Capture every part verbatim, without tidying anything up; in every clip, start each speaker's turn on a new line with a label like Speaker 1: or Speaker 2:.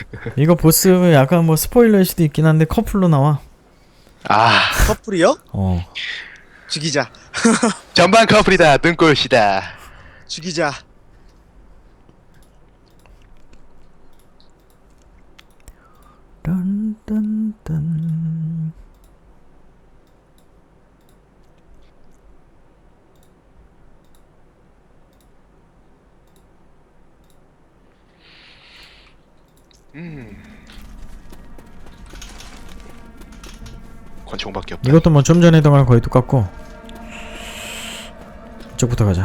Speaker 1: 이거 보스 약간 뭐 스포일러일 수도 있긴 한데 커플로 나와.
Speaker 2: 아,
Speaker 3: 커플이요?
Speaker 1: 어.
Speaker 3: 죽이자.
Speaker 2: 전반 커플이다. 눈꼴시다.
Speaker 3: 죽이자.
Speaker 1: 딴딴딴.
Speaker 2: 음. 권총밖에 없다.
Speaker 1: 이것도 뭐 좀 전에 했던 거랑 거의 똑같고. 이쪽부터 가자.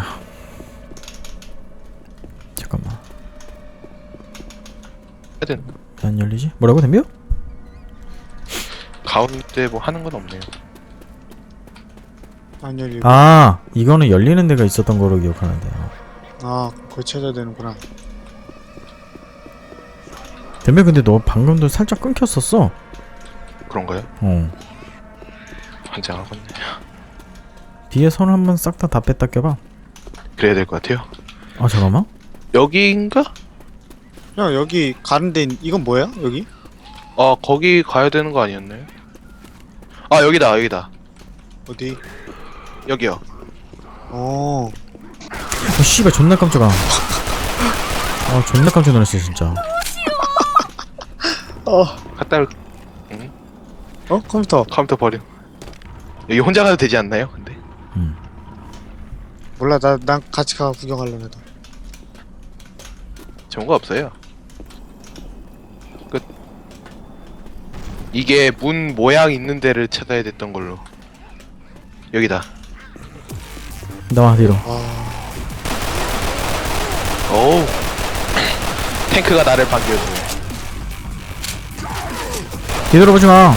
Speaker 1: 잠깐만.
Speaker 2: 하여튼
Speaker 1: 안 열리지? 뭐라고 덤벼?
Speaker 2: 가운데 뭐 하는 건 없네요.
Speaker 3: 안 열리고.
Speaker 1: 아, 이거는 열리는 데가 있었던 거로 기억하는데.
Speaker 3: 아, 그걸 찾아야 되는구나.
Speaker 1: 덤벼, 근데 너 방금도 살짝 끊겼었어.
Speaker 2: 그런가요?
Speaker 1: 어.
Speaker 2: 환장하겠네.
Speaker 1: 뒤에 선 한번 싹 다 다 뺐다 껴봐.
Speaker 2: 그래야 될 것 같아요.
Speaker 1: 아, 잠깐만.
Speaker 2: 여기인가?
Speaker 3: 형 여기 가는 데 있- 이건 뭐야? 여기?
Speaker 2: 아, 거기 가야 되는 거 아니었나요? 아, 여기다, 여기다.
Speaker 3: 어디?
Speaker 2: 여기요.
Speaker 3: 어.
Speaker 1: 어, 씨발 존나 깜짝아. 아, 존나 깜짝 놀랐어 진짜.
Speaker 3: 어.
Speaker 2: 갖다 올-
Speaker 3: 어? 컴퓨터.
Speaker 2: 컴퓨터 버려. 여기 혼자 가도 되지 않나요? 근데
Speaker 1: 음.
Speaker 3: 몰라, 나, 난 같이 가 구경하려고 해도.
Speaker 2: 좋은 거 없어요. 끝. 이게 문 모양 있는 데를 찾아야 됐던 걸로. 여기다.
Speaker 1: 나와 뒤로.
Speaker 3: 아,
Speaker 2: 오우. 탱크가 나를 반겨주네.
Speaker 1: 뒤돌아보지 마.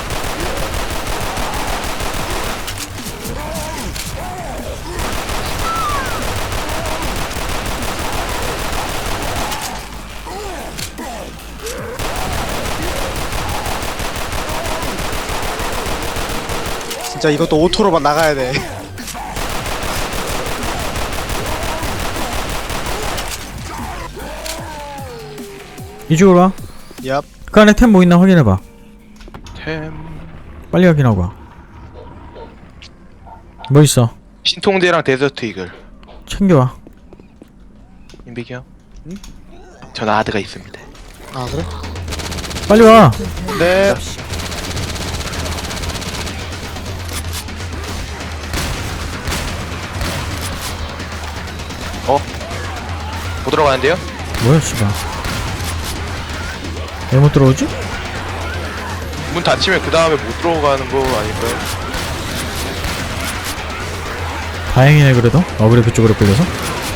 Speaker 3: 진짜 이것도 오토로만 나가야 돼.
Speaker 1: 이쪽으로 와.
Speaker 3: 얍.
Speaker 1: 그 안에 템 뭐 있나 확인해봐.
Speaker 2: 템.
Speaker 1: 빨리 확인하고 와. 뭐 있어?
Speaker 2: 신통제랑 데저트 이글.
Speaker 1: 챙겨와.
Speaker 2: 인비기 형. 응? 전 아드가 있습니다.
Speaker 3: 아, 그래?
Speaker 1: 빨리 와.
Speaker 3: 네.
Speaker 2: 어? 못 들어가는데요?
Speaker 1: 뭐야 씨발. 왜 못 들어오지?
Speaker 2: 문 닫히면 그 다음에 못 들어가는 거 아닐까요?
Speaker 1: 다행이네 그래도. 어그래 그쪽으로 끌려서.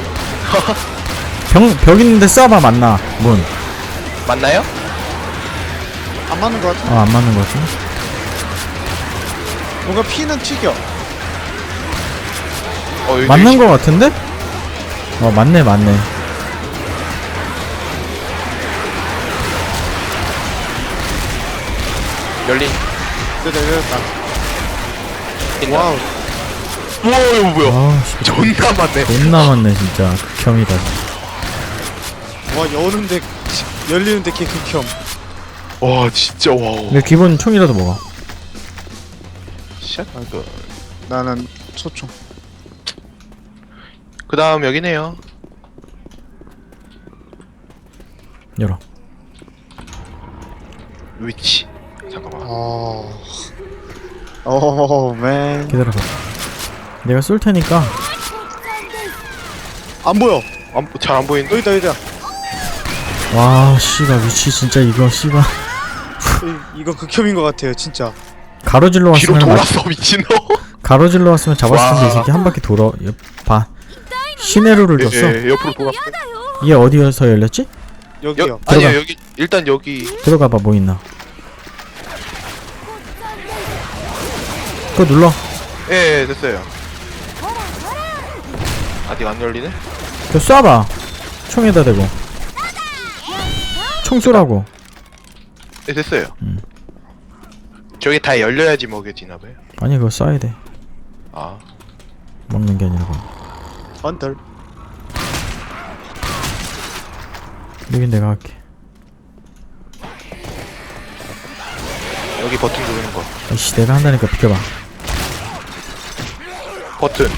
Speaker 1: 벽, 벽 있는데 쏴봐 맞나? 문.
Speaker 2: 맞나요?
Speaker 3: 안 맞는 것 같아.
Speaker 1: 어, 안 맞는 것 같은데?
Speaker 3: 뭔가 피는 튀겨.
Speaker 2: 어, 여기
Speaker 1: 맞는
Speaker 2: 여기
Speaker 1: 것 같은데? 어, 맞네, 맞네.
Speaker 2: 열린.
Speaker 3: 됐다, 됐다.
Speaker 2: 있나?
Speaker 3: 와우.
Speaker 2: 우와, 이거 뭐야?
Speaker 1: 아, 씨.
Speaker 2: 존나 많네.
Speaker 1: 존나 많네, 진짜. 극혐이다.
Speaker 3: 와, 여는데, 열리는데 개 극혐.
Speaker 2: 와, 진짜 와우.
Speaker 1: 근데 기본 총이라도 먹어.
Speaker 2: 샷. 그,
Speaker 3: 나는 소총.
Speaker 2: 그 다음 여기네요.
Speaker 1: 열어.
Speaker 2: 위치. 잠깐만.
Speaker 3: 어. 오, 맨.
Speaker 1: 기다려봐. 내가 쏠 테니까.
Speaker 3: 안 보여.
Speaker 2: 안, 잘 안 보이는데?
Speaker 3: 여기다, 여기다.
Speaker 1: 와, 씨발, 위치 진짜 이거, 씨발.
Speaker 3: 이, 이거 극혐인 것 같아요, 진짜.
Speaker 1: 가로질러
Speaker 2: 뒤로
Speaker 1: 왔으면, 맞-
Speaker 2: 돌았어, 미친놈.
Speaker 1: 가로질러 왔으면 잡았을 텐데, 이
Speaker 2: 와.
Speaker 1: 새끼 한 바퀴 돌아. 옆, 봐. 시내로를 줬어.
Speaker 2: 예, 예, 옆으로 돌았어.
Speaker 1: 얘 어디에서 열렸지?
Speaker 3: 여기요.
Speaker 2: 여, 아니요,
Speaker 1: 들어가.
Speaker 2: 여기, 일단 여기.
Speaker 1: 들어가봐, 뭐 있나. 그거 눌러.
Speaker 2: 예, 예, 됐어요. 아직 안 열리네?
Speaker 1: 그거 쏴봐. 총에다 대고. 총 쏘라고.
Speaker 2: 예, 됐어요.
Speaker 1: 음.
Speaker 2: 저게 다 열려야지 먹여지나봐요.
Speaker 1: 아니, 그거 쏴야 돼.
Speaker 2: 아.
Speaker 1: 먹는 게 아니라고.
Speaker 3: 언덜.
Speaker 1: 여긴 내가 할게.
Speaker 2: 여기 버튼 누르는 거.
Speaker 1: 아이씨 내가 한다니까 비켜봐.
Speaker 2: 버튼.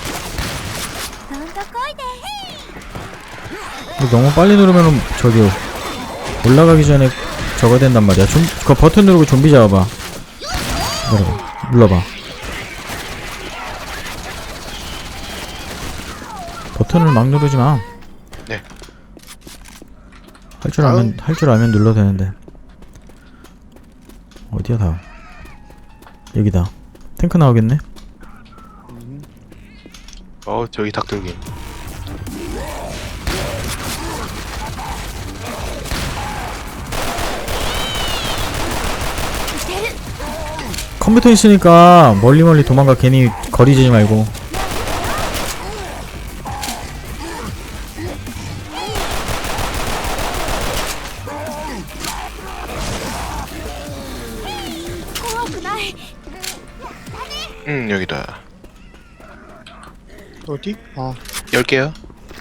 Speaker 1: 이거 너무 빨리 누르면은 저기 올라가기 전에 저거 된단 말이야. 좀, 그 버튼 누르고 좀비 잡아봐. 눌러봐. 눌러봐. 버튼을 막 누르지 마.
Speaker 2: 네.
Speaker 1: 할 줄 알면 할 줄 알면 눌러도 되는데. 어디야 다음? 여기다. 탱크 나오겠네.
Speaker 2: 어 저기 닭들기.
Speaker 1: 컴퓨터 있으니까 멀리 멀리 도망가. 괜히 거리 재지 말고.
Speaker 2: 음 여기다.
Speaker 3: 어디? 아
Speaker 2: 열게요.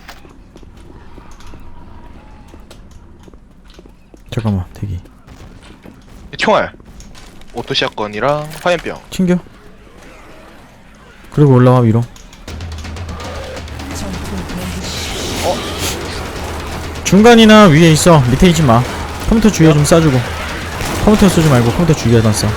Speaker 1: 잠깐만 대기.
Speaker 2: 총알. 오토샷건이랑 화염병.
Speaker 1: 챙겨. 그리고 올라와 위로. 어? 중간이나 위에 있어. 밑에 있지 마. 컴퓨터 주위에 좀 쏴주고. 컴퓨터 쏘지 말고 컴퓨터 주위에다 쏴.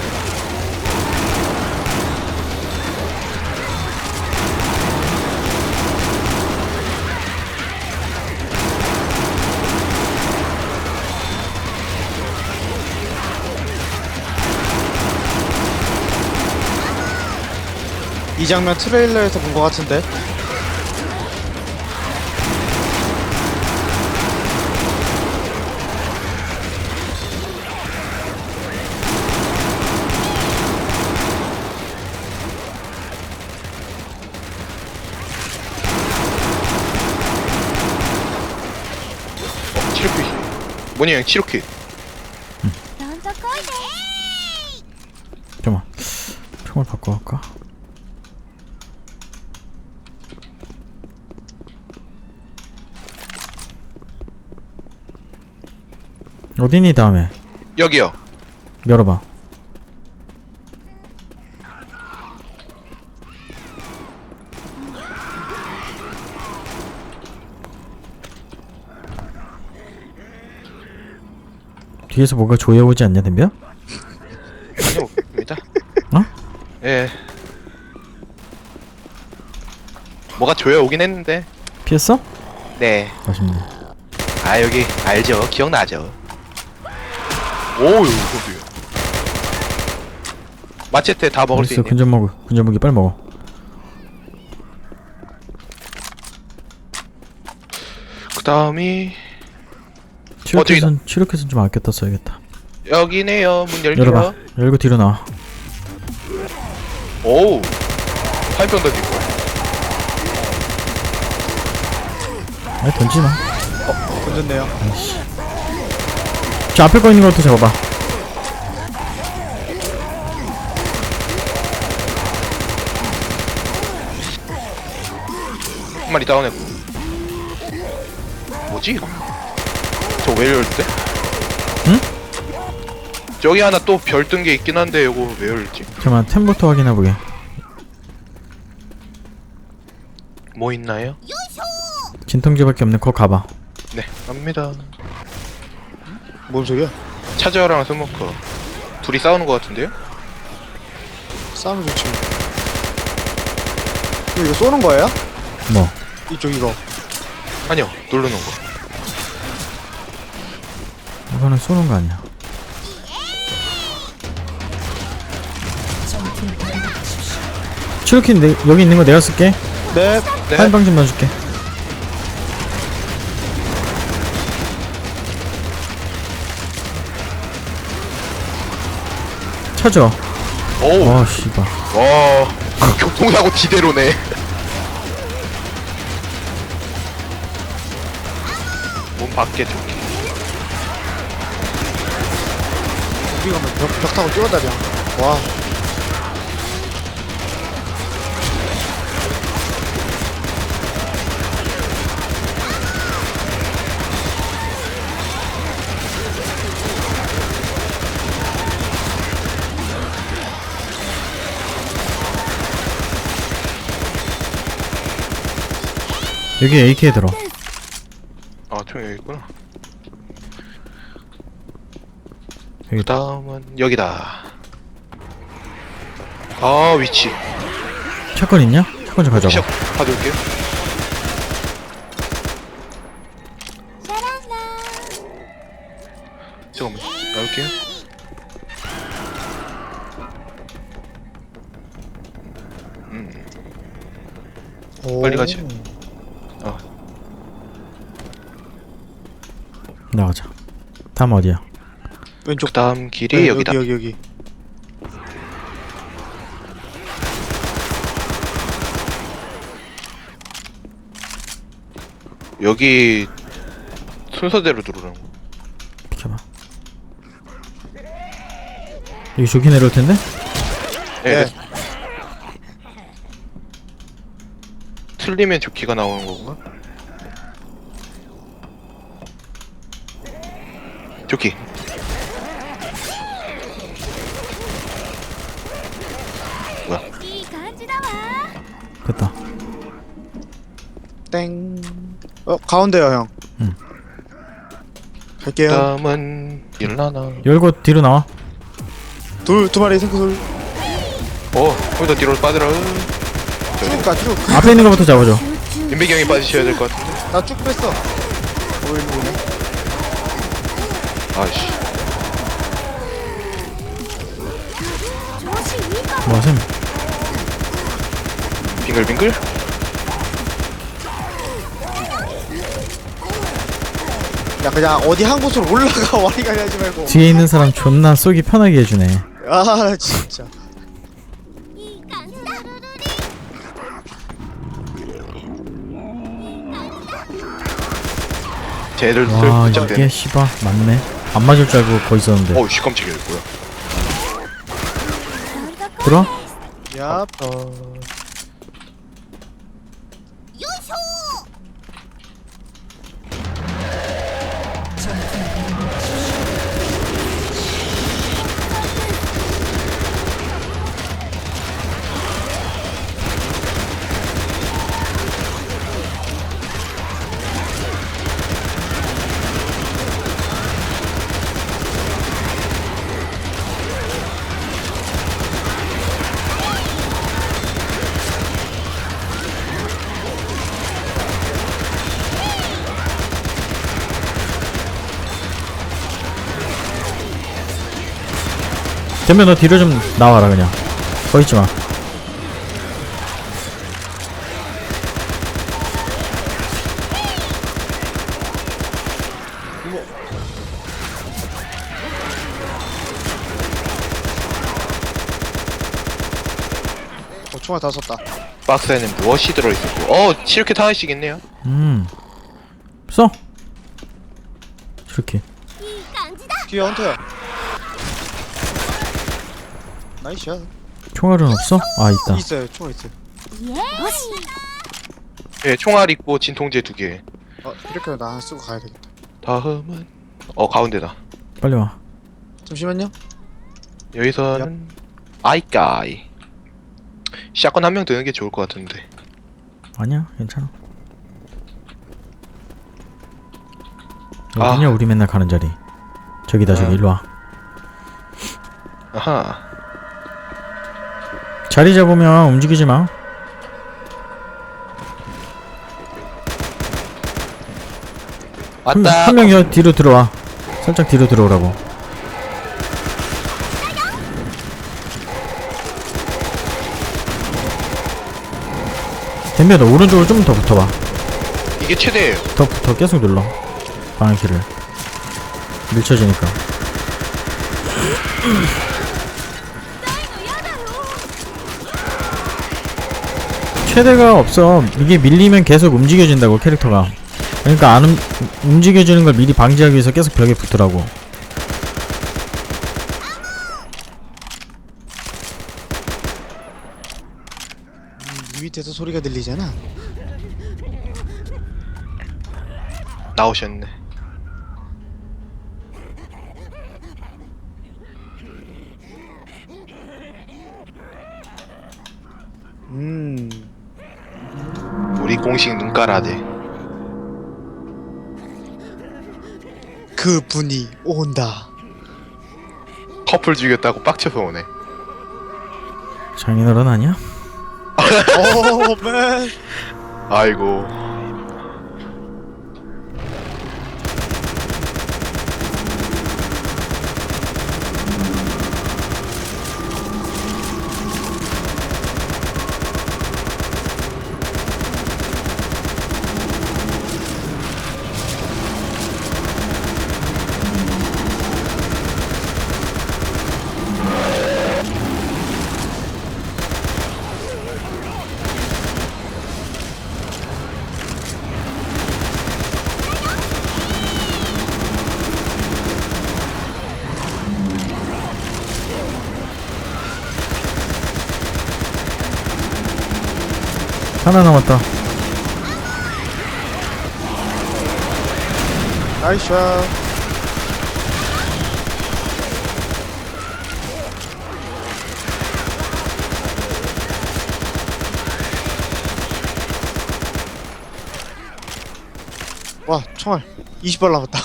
Speaker 3: 이 장면 트레일러에서 본 것 같은데.
Speaker 2: 어 치료킷. 뭐냐 형 치료킷.
Speaker 1: 잠깐만. 총을 바꿔 갈까? 어디니 다음에?
Speaker 2: 여기요.
Speaker 1: 열어봐. 뒤에서 뭐가 조여오지 않냐 덤벼?
Speaker 2: 아니요 왜자?
Speaker 1: 어?
Speaker 2: 예. 뭐가 조여 오긴 했는데.
Speaker 1: 피했어?
Speaker 2: 네.
Speaker 1: 아쉽네.
Speaker 2: 아 여기 알죠. 기억나죠. 오우 이거도요. 마체테 다 먹을 수
Speaker 1: 알았어,
Speaker 2: 있네.
Speaker 1: 근접 먹어. 근접 무기 빨리 먹어.
Speaker 2: 그 다음이
Speaker 1: 치료켓은 치료켓은 좀 아꼈다 써야겠다.
Speaker 2: 여기네요. 문 열게요.
Speaker 1: 열어봐. 열고 뒤로 나와.
Speaker 2: 오우 화염병 던지고.
Speaker 1: 아니 던지지 마.
Speaker 3: 던졌네요.
Speaker 1: 아이씨. 저 앞에 거 있는 것부터 잡아봐.
Speaker 2: 한 마리 다운했고. 뭐지 이거? 저 왜 열대?
Speaker 1: 응?
Speaker 2: 저기 하나 또 별 뜬 게 있긴 한데 이거 왜 열지?
Speaker 1: 잠깐만 템부터 확인해보게.
Speaker 2: 뭐 있나요?
Speaker 1: 진통제밖에 없네. 거 가봐.
Speaker 2: 네 갑니다.
Speaker 3: 뭔 소리야?
Speaker 2: 차저랑 스모커 둘이 싸우는 것 같은데요?
Speaker 3: 싸우면 좋지. 이거, 이거 쏘는 거예요?
Speaker 1: 뭐?
Speaker 3: 이쪽 이거.
Speaker 2: 아니요 누르는 거.
Speaker 1: 이거는 쏘는 거 아니야. 치료킷 내, 여기 있는 거 내가 쓸게.
Speaker 3: 네.
Speaker 2: 네.
Speaker 1: 화염병 좀 넣어줄게. 찾아.
Speaker 2: 오우
Speaker 1: 와 씨발.
Speaker 2: 와 교통사고 지대로네. 몸 밖에 좋게.
Speaker 3: 여기 가면 벽, 벽 타고 뛰어다녀. 와.
Speaker 1: 여기 에이케이 들어.
Speaker 2: 아 총 여기 있구나.
Speaker 1: 여기
Speaker 2: 그 다음은 여기다. 아 위치.
Speaker 1: 샷건 있냐? 샷건 좀 가져가.
Speaker 2: 샷 가져올게요. 잠깐만 나올게요. 음
Speaker 3: 오.
Speaker 2: 빨리 가지. 어.
Speaker 1: 나가자. 다음 어디야?
Speaker 3: 왼쪽.
Speaker 2: 그 다음 길이
Speaker 3: 네,
Speaker 2: 여기다.
Speaker 3: 여기 여기 여기.
Speaker 2: 여기 순서대로 들어오는 거.
Speaker 1: 비켜봐. 여기 좋게 내려올 텐데?
Speaker 2: 네.
Speaker 3: 네.
Speaker 2: 틀리면 조끼가 나오는 건가? 조끼. 뭐야?
Speaker 1: 됐다.
Speaker 3: 땡. 어 가운데요 형.
Speaker 1: 응.
Speaker 3: 갈게요.
Speaker 2: 다음은 일라나.
Speaker 1: 열고 뒤로 나와.
Speaker 3: 둘 두 마리 생크 둘.
Speaker 2: 어, 거기다 뒤로 빠져라.
Speaker 3: 쭉 가 쭉.
Speaker 1: 앞에 있는 거부터 잡아줘.
Speaker 2: 윤백이 형이 빠지셔야 될 것 같은데.
Speaker 3: 나 쭉 뺐어. 어 일로 오네.
Speaker 2: 아이씨.
Speaker 1: 뭐하셈?
Speaker 2: 빙글빙글?
Speaker 3: 야 그냥 어디 한 곳으로 올라가 와리가리 하지 말고.
Speaker 1: 뒤에 있는 사람 존나 쏘기 편하게 해주네.
Speaker 3: 아 진짜.
Speaker 2: 쟤들
Speaker 1: 와
Speaker 2: 슬쩍
Speaker 1: 이게
Speaker 2: 되네.
Speaker 1: 씨발 맞네. 안 맞을 줄 알고 거기 있었는데.
Speaker 2: 어우 씨 깜짝이야 뭐야.
Speaker 1: 들어?
Speaker 3: 야.
Speaker 2: 어...
Speaker 1: 덤벼 너 뒤로 좀 나와라 그냥. 거 있지 마.
Speaker 3: 어 총알 다 썼다.
Speaker 2: 박스에는 무엇이 들어있었고 어 이렇게 하나씩 있네요.
Speaker 1: 음. 써. 이렇게.
Speaker 3: 뒤에 헌터야. 나이스야.
Speaker 1: 총알은 없어? 아 있다.
Speaker 3: 있어요. 총알 있어요.
Speaker 2: 예 총알 있고 진통제 두개.
Speaker 3: 어 이렇게 하면 나 하나 쓰고 가야 되겠다.
Speaker 2: 다음은 어 가운데다.
Speaker 1: 빨리 와.
Speaker 3: 잠시만요.
Speaker 2: 여기서는 아이까이. 샷건 한 명 드는 게 좋을 것 같은데.
Speaker 1: 아니야 괜찮아.
Speaker 2: 아.
Speaker 1: 어디냐 우리 맨날 가는 자리. 저기다 저기
Speaker 2: 아.
Speaker 1: 일로 와.
Speaker 2: 아하.
Speaker 1: 자리 잡으면 움직이지 마.
Speaker 2: 왔다.
Speaker 1: 한명 여 뒤로 들어와. 살짝 뒤로 들어오라고. 덤벼 너 오른쪽으로 좀 더 붙어봐.
Speaker 2: 이게 최대예요.
Speaker 1: 더 붙어 계속 눌러. 방향키를. 밀쳐지니까. 최대가 없어. 이게 밀리면 계속 움직여진다고 캐릭터가. 그러니까 안 움, 움직여지는 걸 미리 방지하기 위해서 계속 벽에 붙으라고.
Speaker 3: 이 밑에서 소리가 들리잖아.
Speaker 2: 나오셨네.
Speaker 3: 음.
Speaker 2: 우리 공식 눈가라대.
Speaker 3: 그 분이 온다.
Speaker 2: 커플 죽였다고 빡쳐서 오네.
Speaker 1: 장인어른 아니야?
Speaker 3: 오맨.
Speaker 2: 아이고.
Speaker 1: 하나 남았다.
Speaker 3: 나이스 샷. 와 총알 이십 발 남았다.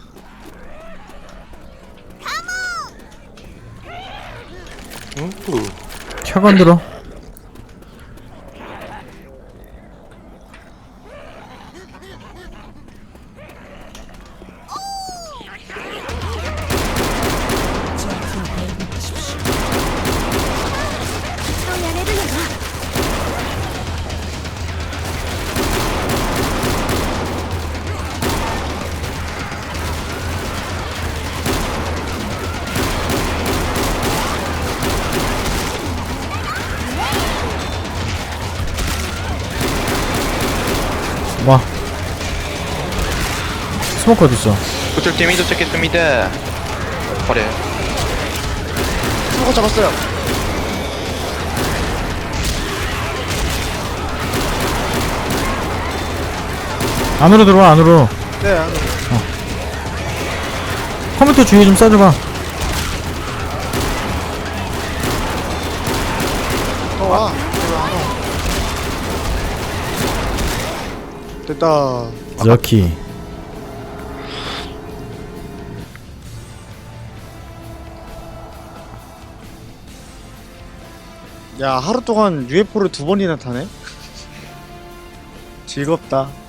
Speaker 2: 우.
Speaker 1: 차관 들어. 와. 스모크 어딨어?
Speaker 2: 구출팀이 도착했습니다. 버려요.
Speaker 3: 사고 잡았어요.
Speaker 1: 안으로 들어와, 안으로.
Speaker 3: 네 안으로.
Speaker 1: 컴퓨터 주위에 좀 쏴줘봐.
Speaker 3: 어, 와. 됐다.
Speaker 1: 럭키.
Speaker 3: 야 하루 동안 유에프오를 두 번이나 타네. 즐겁다.